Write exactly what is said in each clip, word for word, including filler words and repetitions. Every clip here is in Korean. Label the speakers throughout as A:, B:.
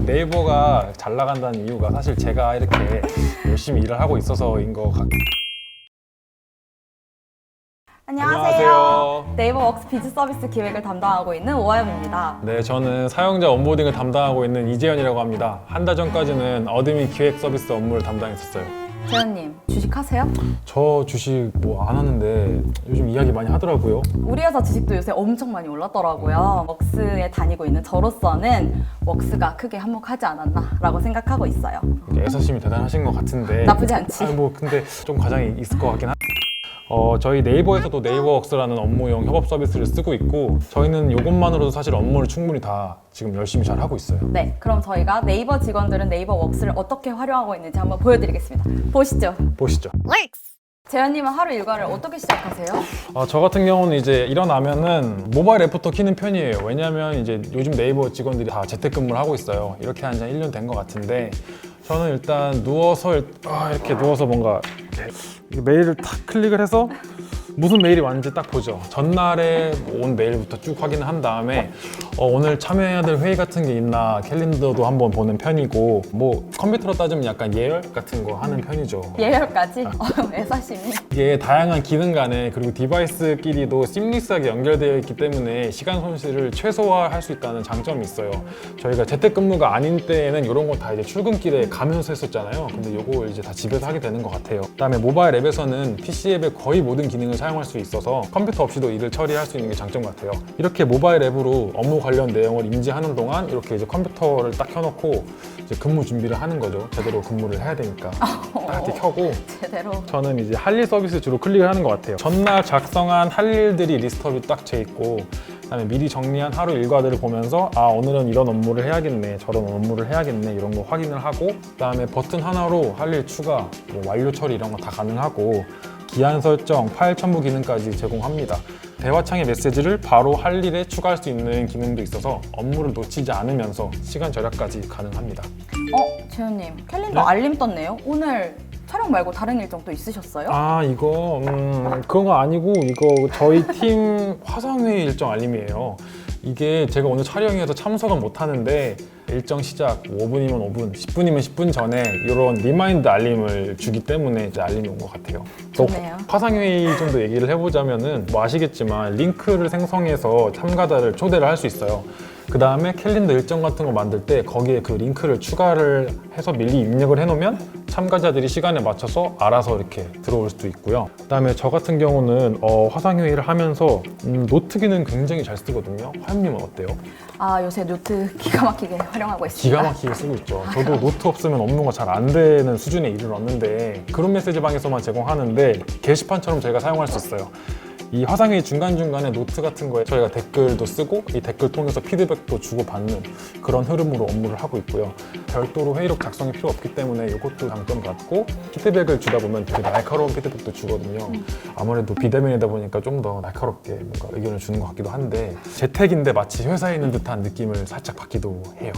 A: 네이버가 잘 나간다는 이유가 사실 제가 이렇게 열심히 일을 하고 있어서인 것 같아요.
B: 안녕하세요.
A: 안녕하세요.
B: 네이버 웍스 비즈 서비스 기획을 담당하고 있는 오하영입니다.
A: 네, 저는 사용자 온보딩을 담당하고 있는 이재현이라고 합니다. 한 달 전까지는 어드민 기획 서비스 업무를 담당했었어요.
B: 재현님, 주식하세요?
A: 저 주식 뭐 안 하는데 요즘 이야기 많이 하더라고요.
B: 우리 회사 주식도 요새 엄청 많이 올랐더라고요. 웍스에 다니고 있는 저로서는 웍스가 크게 한몫하지 않았나라고 생각하고 있어요.
A: 애사심이 대단하신 것 같은데
B: 나쁘지 않지?
A: 아니, 뭐 근데 좀 과장이 있을 것 같긴 한. 어, 저희 네이버에서도 네이버웍스라는 업무용 협업 서비스를 쓰고 있고 저희는 이것만으로도 사실 업무를 충분히 다 지금 열심히 잘 하고 있어요.
B: 네, 그럼 저희가 네이버 직원들은 네이버 웍스를 어떻게 활용하고 있는지 한번 보여드리겠습니다. 보시죠.
A: 보시죠.
B: 재현님은 하루 일과를 어떻게 시작하세요?
A: 어, 저 같은 경우는 이제 일어나면은 모바일 앱부터 키는 편이에요. 왜냐면 이제 요즘 네이버 직원들이 다 재택근무를 하고 있어요. 이렇게 한 지 일 년 된 것 같은데 저는 일단 누워서 일- 아, 이렇게 누워서 뭔가 이렇게 메일을 탁 클릭을 해서 무슨 메일이 왔는지 딱 보죠. 전날에 온 메일부터 쭉 확인을 한 다음에 어, 오늘 참여해야 될 회의 같은 게 있나 캘린더도 한번 보는 편이고 뭐 컴퓨터로 따지면 약간 예열 같은 거 하는 편이죠.
B: 예열까지? 어, 애사심이.
A: 이게 다양한 기능 간에 그리고 디바이스끼리도 심리스하게 연결되어 있기 때문에 시간 손실을 최소화할 수 있다는 장점이 있어요. 저희가 재택근무가 아닌 때에는 이런 거 다 이제 출근길에 가면서 했었잖아요. 근데 이거 이제 다 집에서 하게 되는 것 같아요. 그다음에 모바일 앱에서는 피씨 앱의 거의 모든 기능을 사용할 수 있어서 컴퓨터 없이도 일을 처리할 수 있는 게 장점 같아요. 이렇게 모바일 앱으로 업무 관련 내용을 인지하는 동안 이렇게 이제 컴퓨터를 딱 켜놓고 이제 근무 준비를 하는 거죠. 제대로 근무를 해야 되니까 딱 이렇게 켜고
B: 제대로.
A: 저는 이제 할 일 서비스 주로 클릭을 하는 것 같아요. 전날 작성한 할 일들이 리스트업이 딱 돼 있고 그다음에 미리 정리한 하루 일과들을 보면서 아 오늘은 이런 업무를 해야겠네 저런 업무를 해야겠네 이런 거 확인을 하고 그다음에 버튼 하나로 할 일 추가, 뭐 완료 처리 이런 거 다 가능하고 기한 설정, 파일 첨부 기능까지 제공합니다. 대화창의 메시지를 바로 할 일에 추가할 수 있는 기능도 있어서 업무를 놓치지 않으면서 시간 절약까지 가능합니다.
B: 어, 재현님, 캘린더
A: 네?
B: 알림 떴네요. 오늘 촬영 말고 다른 일정 또 있으셨어요?
A: 아 이거 음, 그런 거 아니고 이거 저희 팀 화상회의 일정 알림이에요. 이게 제가 오늘 촬영해서 참석은 못 하는데 일정 시작 오 분이면 오 분, 십 분이면 십 분 전에 이런 리마인드 알림을 주기 때문에 이제 알림이 온 것 같아요. 또
B: 좋네요.
A: 화상회의 좀 더 얘기를 해보자면은 뭐 아시겠지만 링크를 생성해서 참가자를 초대를 할 수 있어요. 그 다음에 캘린더 일정 같은 거 만들 때 거기에 그 링크를 추가를 해서 미리 입력을 해놓으면 참가자들이 시간에 맞춰서 알아서 이렇게 들어올 수도 있고요. 그 다음에 저 같은 경우는 어, 화상회의를 하면서 음, 노트 기능 굉장히 잘 쓰거든요. 화영님은 어때요?
B: 아, 요새 노트 기가 막히게 활용하고 있습니다.
A: 기가 막히게 쓰고 있죠. 저도 노트 없으면 업무가 잘 안 되는 수준에 이르렀는데 그룹 메시지방에서만 제공하는데 게시판처럼 저희가 사용할 수 있어요. 이 화상회의 중간중간에 노트 같은 거에 저희가 댓글도 쓰고 이 댓글 통해서 피드백도 주고받는 그런 흐름으로 업무를 하고 있고요. 별도로 회의록 작성이 필요 없기 때문에 이것도 장점 같고 피드백을 주다 보면 되게 날카로운 피드백도 주거든요. 아무래도 비대면이다 보니까 좀 더 날카롭게 뭔가 의견을 주는 것 같기도 한데 재택인데 마치 회사에 있는 듯한 느낌을 살짝 받기도 해요.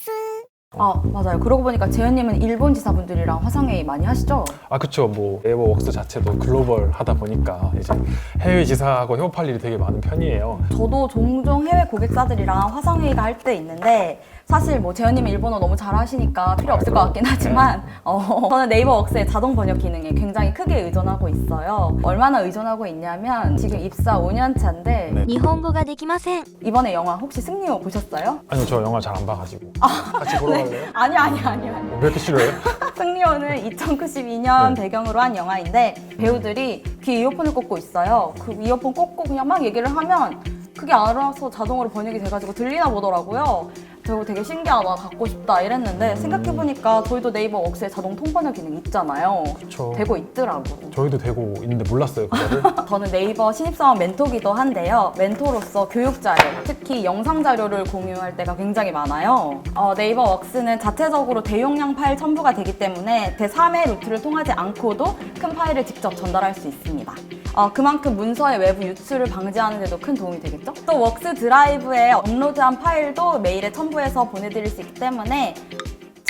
B: 아, 맞아요. 그러고 보니까 재현님은 일본 지사분들이랑 화상회의 많이 하시죠?
A: 아 그쵸. 뭐 네이버웍스 자체도 글로벌 하다 보니까 이제 해외 지사하고 협업할 일이 되게 많은 편이에요.
B: 저도 종종 해외 고객사들이랑 화상회의가 할 때 있는데 사실 뭐 재현님이 일본어 너무 잘하시니까 필요 없을 것 같긴 하지만 어, 저는 네이버 웍스의 자동 번역 기능에 굉장히 크게 의존하고 있어요. 얼마나 의존하고 있냐면 지금 입사 오 년 차인데
A: 네.
C: 日本語ができません。
B: 이번에 영화 혹시 승리호 보셨어요?
A: 아니요 저 영화 잘 안 봐가지고 같이 보러 갈래요?
B: 아니요 아니요 아니요 아니요.
A: 왜 이렇게 싫어해요?
B: 승리호는 이천구십이 년
A: 네.
B: 배경으로 한 영화인데 배우들이 귀에 이어폰을 꽂고 있어요. 그 이어폰 꽂고 그냥 막 얘기를 하면 그게 알아서 자동으로 번역이 돼가지고 들리나 보더라고요. 저거 되게 신기하다, 갖고 싶다 이랬는데 생각해보니까 저희도 네이버 웍스에 자동 통번역 기능 있잖아요.
A: 그쵸.
B: 되고 있더라고.
A: 저희도 되고 있는데 몰랐어요 그거를.
B: 저는 네이버 신입사원 멘토기도 한데요. 멘토로서 교육 자료, 특히 영상 자료를 공유할 때가 굉장히 많아요. 어, 네이버 웍스는 자체적으로 대용량 파일 첨부가 되기 때문에 대삼 회 루트를 통하지 않고도 큰 파일을 직접 전달할 수 있습니다. 어, 그만큼 문서의 외부 유출을 방지하는 데도 큰 도움이 되겠죠? 또 웍스 드라이브에 업로드한 파일도 메일에 첨부해서 보내드릴 수 있기 때문에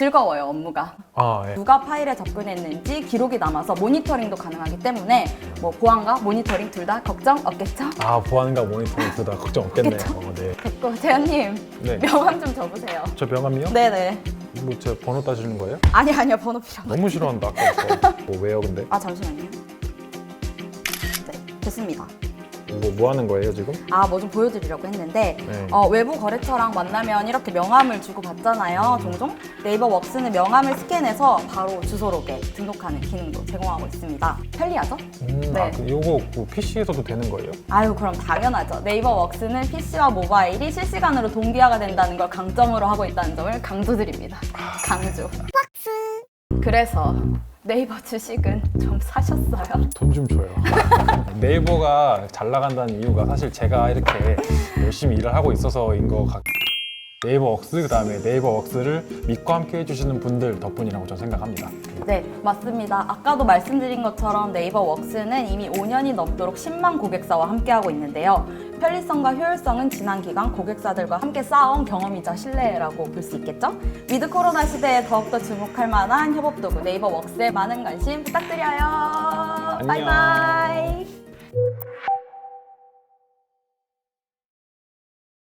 B: 즐거워요, 업무가.
A: 아, 예.
B: 누가 파일에 접근했는지 기록이 남아서 모니터링도 가능하기 때문에 뭐 보안과 모니터링 둘 다 걱정 없겠죠?
A: 아, 보안과 모니터링 둘 다 걱정 없겠네요.
B: 그쵸?
A: 어, 네.
B: 됐고, 재현님
A: 네.
B: 명함 좀 줘보세요.
A: 저 명함이요?
B: 네네.
A: 뭐 제 번호 따지는 거예요?
B: 아니 아니요, 번호 필요 없어요.
A: 너무 싫어한다, 아까부터. 뭐 왜요, 근데?
B: 아 잠시만요. 네, 됐습니다.
A: 뭐, 뭐 하는 거예요, 지금?
B: 아, 뭐 좀 보여드리려고 했는데
A: 네.
B: 어, 외부 거래처랑 만나면 이렇게 명함을 주고 받잖아요, 종종. 네이버 웍스는 명함을 스캔해서 바로 주소록에 등록하는 기능도 제공하고 있습니다. 편리하죠?
A: 음,
B: 네.
A: 아, 그 요거 뭐 피시에서도 되는 거예요?
B: 아유, 그럼 당연하죠. 네이버 웍스는 피시와 모바일이 실시간으로 동기화가 된다는 걸 강점으로 하고 있다는 점을 강조드립니다. 강조. 그래서 네이버 주식은 좀 사셨어요?
A: 돈 좀 줘요. 네이버가 잘 나간다는 이유가 사실 제가 이렇게 열심히 일을 하고 있어서인 것 같... 네이버 웍스, 그 다음에 네이버 웍스를 믿고 함께 해주시는 분들 덕분이라고 저는 생각합니다.
B: 네, 맞습니다. 아까도 말씀드린 것처럼 네이버 웍스는 이미 오 년이 넘도록 십만 고객사와 함께하고 있는데요. 편리성과 효율성은 지난 기간 고객사들과 함께 쌓아온 경험이자 신뢰라고 볼 수 있겠죠? 위드 코로나 시대에 더욱더 주목할 만한 협업 도구 네이버 웍스에 많은 관심 부탁드려요.
A: 안녕.
B: 바이바이.